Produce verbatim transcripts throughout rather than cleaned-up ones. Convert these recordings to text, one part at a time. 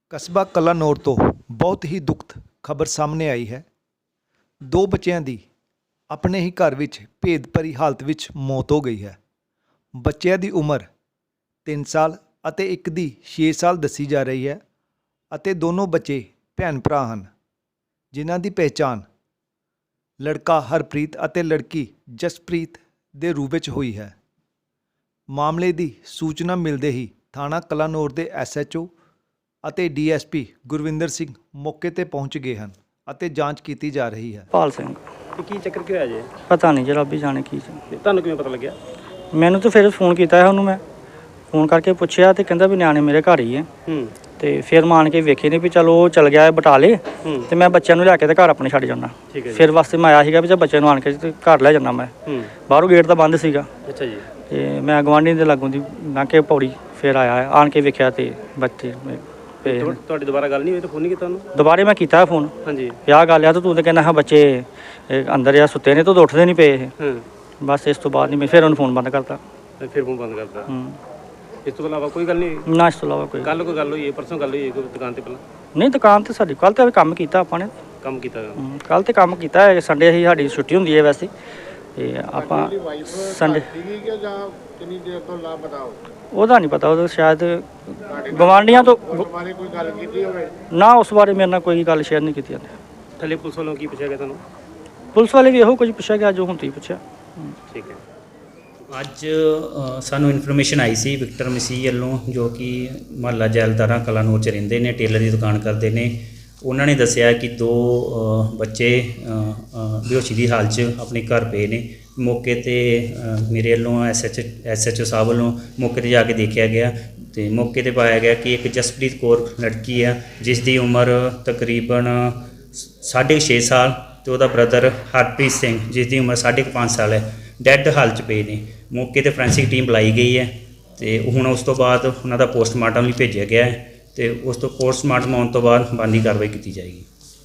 ਕਸਬਾ ਕਲਾਨੌਰ ਤੋਂ ਬਹੁਤ ਹੀ ਦੁਖਦ ਖਬਰ ਸਾਹਮਣੇ ਆਈ ਹੈ। ਦੋ ਬੱਚਿਆਂ ਦੀ ਆਪਣੇ ਹੀ ਘਰ ਵਿੱਚ ਭੇਦ ਭਰੀ ਹਾਲਤ ਵਿੱਚ ਮੌਤ ਹੋ ਗਈ ਹੈ। ਬੱਚਿਆਂ ਦੀ ਉਮਰ ਤਿੰਨ ਸਾਲ ਅਤੇ ਇੱਕ ਦੀ ਛੇ ਸਾਲ ਦੱਸੀ ਜਾ ਰਹੀ ਹੈ ਅਤੇ ਦੋਨੋਂ ਬੱਚੇ ਭੈਣ ਭਰਾ ਹਨ, ਜਿਨ੍ਹਾਂ ਦੀ ਪਹਿਚਾਣ ਲੜਕਾ ਹਰਪ੍ਰੀਤ ਅਤੇ ਲੜਕੀ ਜਸਪ੍ਰੀਤ ਦੇ ਰੂਪ ਵਿੱਚ ਹੋਈ ਹੈ। ਮਾਮਲੇ ਦੀ ਸੂਚਨਾ ਮਿਲਦੇ ਹੀ ਥਾਣਾ ਕਲਾਨੌਰ ਦੇ ਐਸ ਐਚ ਓ ਅਤੇ D S P Gurvinder Singh ਮੌਕੇ ਤੇ ਪਹੁੰਚ ਗਏ ਹਨ ਅਤੇ ਜਾਂਚ ਕੀਤੀ ਜਾ ਰਹੀ ਹੈ। ਪਾਲ ਸਿੰਘ ਤੇ ਕੀ ਚੱਕਰ ਕੀ ਹੋਇਆ ਜੇ? ਪਤਾ ਨਹੀਂ ਜੀ, ਰੱਬ ਹੀ ਜਾਣੇ ਕੀ ਸੀ। ਤੇ ਤੁਹਾਨੂੰ ਕਿਵੇਂ ਪਤਾ ਲੱਗਿਆ? ਮੈਨੂੰ ਤਾਂ ਫਿਰ ਫੋਨ ਕੀਤਾ ਹੈ ਉਹਨੂੰ, ਮੈਂ ਫੋਨ ਕਰਕੇ ਪੁੱਛਿਆ ਤੇ ਕਹਿੰਦਾ ਵੀ ਨਿਆਣੇ ਮੇਰੇ ਘਰ ਹੀ ਹੈ। ਹੂੰ ਤੇ ਫਿਰ ਮਾਨ ਕੇ ਵੇਖੇ ਨੇ ਵੀ ਚਲੋ ਉਹ ਚਲ ਗਿਆ ਹੈ ਬਟਾਲੇ, ਹੂੰ ਤੇ ਮੈਂ ਬੱਚਿਆਂ ਨੂੰ ਲਿਆ ਕੇ ਤੇ ਘਰ ਆਪਣੇ ਛੱਡ ਜਾਣਾ। ਠੀਕ ਹੈ ਜੀ। ਫਿਰ ਵਾਸਤੇ ਮੈਂ ਆਇਆ ਸੀਗਾ ਵੀ ਜੇ ਬੱਚੇ ਨੂੰ ਆਣ ਕੇ ਤੇ ਘਰ ਲੈ ਜਾਣਾ ਮੈਂ। ਹੂੰ ਬਾਹਰੋਂ ਗੇਟ ਤਾਂ ਬੰਦ ਸੀਗਾ ਅੱਛਾ ਜੀ। ਤੇ ਮੈਂ ਗਵਾਂਢੀ ਦੇ ਲਾਗੋਂ ਦੀ ਲੰਘ ਕੇ ਪੌੜੀ ਫਿਰ ਆਇਆ, ਆਣ ਕੇ ਵੇਖਿਆ ਤੇ ਬੱਚੇ ਮੇ- ਪਏ ਨੇ। ਤੁਹਾ- ਤੁਹਾਡੀ ਦੁਬਾਰਾ ਗੱਲ ਨਹੀਂ ਹੋਈ ਤਾਂ ਫੋਨ ਨਹੀਂ ਕੀਤਾ ਉਹਨੂੰ? ਦੁਬਾਰੇ ਮੈਂ ਕੀਤਾ ਫੋਨ, ਹਾਂਜੀ। ਵਿਆਹ ਗੱਲ ਆ ਤਾਂ ਤੂੰ ਤਾਂ ਕਹਿੰਦਾ ਹਾਂ ਬੱਚੇ ਇਹ ਅੰਦਰ ਆ ਸੁੱਤੇ ਨੇ ਤਾਂ ਉੱਠਦੇ ਨਹੀਂ ਪਏ ਇਹ। ਹਾਂ ਬਸ ਇਸ ਤੋਂ ਬਾਅਦ ਨਹੀਂ ਮੈਂ ਫਿਰ ਉਹਨੂੰ ਫੋਨ ਬੰਦ ਕਰਤਾ। ਤੇ ਫਿਰ ਫੋਨ ਬੰਦ ਕਰਤਾ। ਹੂੰ ਇਸ ਤੋਂ ਇਲਾਵਾ ਕੋਈ ਗੱਲ ਨਹੀਂ ਹੋਈ? ਨਾ ਇਸ ਤੋਂ ਇਲਾਵਾ ਕੋਈ ਕੱਲ ਕੋਈ ਗੱਲ ਹੋਈ ਹੈ? ਪਰਸੋਂ ਗੱਲ ਹੋਈ ਹੈ ਕੋਈ ਦੁਕਾਨ ਤੇ ਪਹਿਲਾਂ ਨਹੀਂ। ਦੁਕਾਨ ਤੇ ਸਾਡੀ ਕੱਲ ਤੇ ਕੰਮ ਕੀਤਾ ਆਪਾਂ ਨੇ। ਕੰਮ ਕੀਤਾ ਗਾ? ਕੱਲ ਤੇ ਕੰਮ ਕੀਤਾ ਹੈ, ਸੰਡੇ ਹੀ ਸਾਡੀ ਛੁੱਟੀ ਹੁੰਦੀ ਹੈ ਵੈਸੇ। ਤੇ ਆਪਾਂ ਸੰਡੇ ਸੀਗੀ ਕਿ ਜਾਂ ਕਿੰਨੀ ਦੇਰ ਤੋਂ ਲਾਪਤਾ ਹੋ? ਉਹਦਾ ਨਹੀਂ ਪਤਾ, ਉਹਦਾ ਸ਼ਾਇਦ ਗਵਾਂਢੀਆਂ ਤੋਂ ਉਸ ਬਾਰੇ ਕੋਈ ਗੱਲ ਕੀਤੀ ਹੋਵੇ? ਨਾ, ਉਸ ਬਾਰੇ ਮੇਰੇ ਨਾਲ ਕੋਈ ਗੱਲ ਸ਼ੇਅਰ ਨਹੀਂ ਕੀਤੀ ਜਾਂਦੀ। ਥੱਲੇ ਪੁਲਿਸ ਵੱਲੋਂ ਕੀ ਪੁੱਛਿਆ ਗਿਆ ਤੁਹਾਨੂੰ? ਪੁਲਿਸ ਵਾਲੇ ਵੀ ਇਹੋ ਕੁਝ ਪੁੱਛਿਆ ਗਿਆ ਜੋ ਹੁਣ ਤੁਸੀਂ ਪੁੱਛਿਆ। ਠੀਕ ਹੈ। ਅੱਜ ਅ, ਸਾਨੂੰ ਇਨਫੋਰਮੇਸ਼ਨ ਆਈ ਸੀ ਵਿਕਟਰ ਮਸੀਹ ਵੱਲੋਂ, ਜੋ ਕਿ ਮੁਹੱਲਾ ਜੈਲਦਾਰਾਂ ਕਲਾਨੌਰ 'ਚ ਰਹਿੰਦੇ ਨੇ, ਟੇਲਰ ਦੀ ਦੁਕਾਨ ਕਰਦੇ ਨੇ। ਉਹਨਾਂ ਨੇ ਦੱਸਿਆ ਕਿ ਦੋ ਅ, ਬੱਚੇ ਅ, ਅ, ਬੇਹੋਸ਼ੀ ਦੀ ਹਾਲਤ 'ਚ ਆਪਣੇ ਘਰ ਪਏ ਨੇ। ਮੌਕੇ ਤੇ ਅ, ਮੇਰੇ ਵੱਲੋਂ S H S H O ਸਾਹਿਬ ਵੱਲੋਂ ਮੌਕੇ ਤੇ ਜਾ ਕੇ ਦੇਖਿਆ ਗਿਆ ਤੇ ਮੌਕੇ ਤੇ ਪਾਇਆ ਗਿਆ ਕਿ ਇੱਕ ਜਸਪ੍ਰੀਤ ਕੌਰ ਲੜਕੀ ਆ, ਜਿਸ ਦੀ ਉਮਰ ਤਕਰੀਬਨ ਸਾਢੇ ਛੇ ਸਾਲ, ਤੇ ਉਹਦਾ ਬ੍ਰਦਰ ਹਰਪ੍ਰੀਤ ਸਿੰਘ, ਜਿਸ ਦੀ ਉਮਰ ਸਾਢੇ ਕੁ ਪੰਜ ਸਾਲ ਹੈ, ਡੈੱਡ ਹਾਲਤ 'ਚ ਪਏ ਨੇ। ਮੌਕੇ ਤੇ ਫੋਰੈਂਸਿਕ ਟੀਮ ਬੁਲਾਈ ਗਈ ਹੈ ਤੇ ਹੁਣ ਉਸ ਤੋਂ ਬਾਅਦ ਉਹਨਾਂ ਦਾ ਪੋਸਟਮਾਰਟਮ ਲਈ ਭੇਜਿਆ ਗਿਆ ਹੈ ਤੇ ਉਸ ਤੋਂ ਪੋਸਟਮਾਰਟਮ ਆਉਣ ਤੋਂ ਬਾਅਦ ਬਣਦੀ ਕਾਰਵਾਈ ਕੀਤੀ ਜਾਏਗੀ।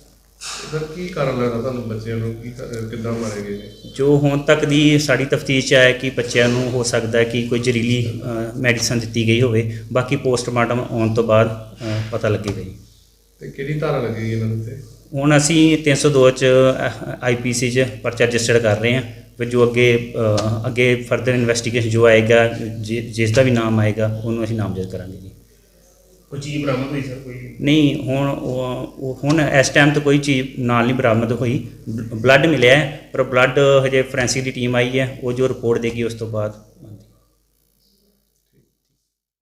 ਸਰ ਕੀ ਕਾਰਨ ਲੱਗਦਾ ਤੁਹਾਨੂੰ ਬੱਚਿਆਂ ਨੂੰ ਕੀ ਕਿੱਦਾਂ ਮਾਰੇ ਗਏ ਨੇ? ਜੋ ਹੁਣ ਤੱਕ ਦੀ ਸਾਡੀ ਤਫਤੀਸ਼ 'ਚ ਆਇਆ ਕਿ ਬੱਚਿਆਂ ਨੂੰ ਹੋ ਸਕਦਾ ਹੈ ਕਿ ਕੋਈ ਜ਼ਹਿਰੀਲੀ ਮੈਡੀਸਨ ਦਿੱਤੀ ਗਈ ਹੋਵੇ। ਬਾਕੀ ਪੋਸਟਮਾਰਟਮ ਆਉਣ ਤੋਂ ਬਾਅਦ ਅ, ਪਤਾ ਲੱਗੇਗਾ ਜੀ। ਤੇ ਕਿਹੜੀ ਧਾਰਾ ਲੱਗੇਗੀ ਇਹਨਾਂ ਦੇ ਉੱਤੇ? ਹੁਣ ਅਸੀਂ ਤਿੰਨ ਸੌ ਦੋ 'ਚ ਆਈ ਪੀ ਸੀ 'ਚ ਪਰਚਾ ਰਜਿਸਟਰਡ ਕਰ ਰਹੇ ਹਾਂ। ਫਿਰ ਜੋ ਅੱਗੇ ਅ, ਅੱਗੇ ਫਰਦਰ ਇਨਵੈਸਟੀਗੇਸ਼ਨ ਜੋ ਆਏਗਾ, ਜਿ- ਜਿਸ ਦਾ ਵੀ ਨਾਮ ਆਏਗਾ ਉਹਨੂੰ ਅਸੀਂ ਨਾਮਜ਼ਦ ਕਰਾਂਗੇ ਜੀ। ਕੋਈ ਚੀਜ਼ ਬਰਾਮਦ ਹੋਈ ਸਰ ਕੋਈ? ਨਹੀਂ, ਹੁਣ ਉਹ ਉਹ- ਹੁਣ ਇਸ ਟਾਈਮ ਤੇ ਕੋਈ ਚੀਜ਼ ਨਾਲ ਨਹੀਂ ਬਰਾਮਦ ਹੋਈ। ਬਲੱਡ ਮਿਲਿਆ ਹੈ, ਪਰ ਬਲੱਡ ਹਜੇ ਫੋਰੈਂਸਿਕ ਦੀ ਟੀਮ ਆਈ ਹੈ, ਉਹ ਜੋ ਰਿਪੋਰਟ ਦੇਗੀ ਉਸ ਤੋਂ ਬਾਅਦ